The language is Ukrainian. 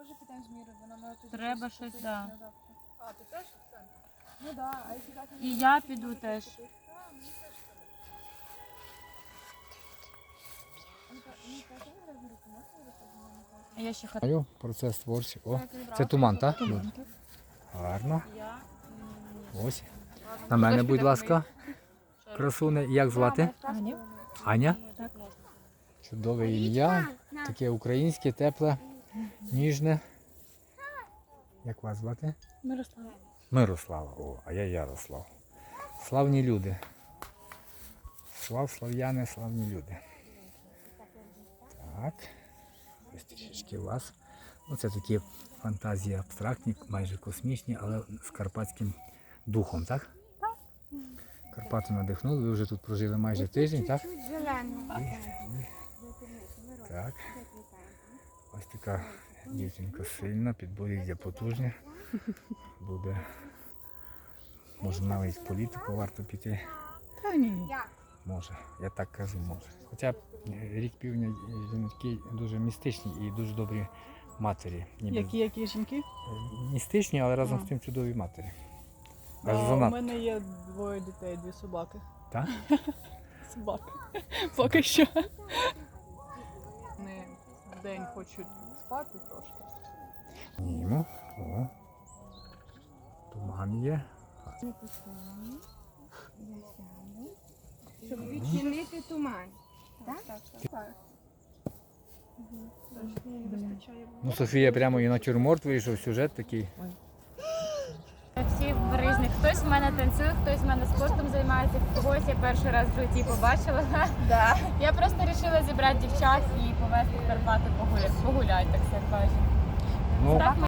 теж питаємо з Мірою, вона має тут. Треба щось, да. А, ти теж в центр? Ну да, а якщо так... І я піду теж. А я ще хочу. Процес творчий. О, це туман, так? Гарно. Ось. На мене, будь ласка. Красуне. Як звати? Аня. Аня? Так. Чудове ім'я. Таке українське, тепле, ніжне. Як вас звати? Мирослава. Мирослава. О, а я Ярослав. Славні люди. Слав'яни, славні люди. Так. Ось трішечки у вас. Ну, це такі фантазії абстрактні, майже космічні, але з карпатським духом, так? Так. Карпати надихнули, ви вже тут прожили майже тиждень, так? Так. Ось така дівчинка сильна, підборіддя потужне. Буде, може навіть в політику варто піти. Та ні. Може, я так кажу, може. Хоча рік півдня жінки дуже містичні і дуже добрі матері. Ніби Які жінки? містичні, але разом з тим чудові матері. Аж У занадто. мене є 2 дітей, 2 собаки. Так? Собаки. Поки що. Вони вдень хочуть спати трошки. Німо. О. Туман є. Щоб відчинити туман. Ну, Софія прямо і натюрморт вийшов, сюжет такий. Всі різні. Хтось в мене танцює, хтось в мене спортом займається, когось я перший раз в житті побачила. Да. Я просто вирішила зібрати дівчат і повезти в Карпати погуляти, так все кажуть. Ну, Так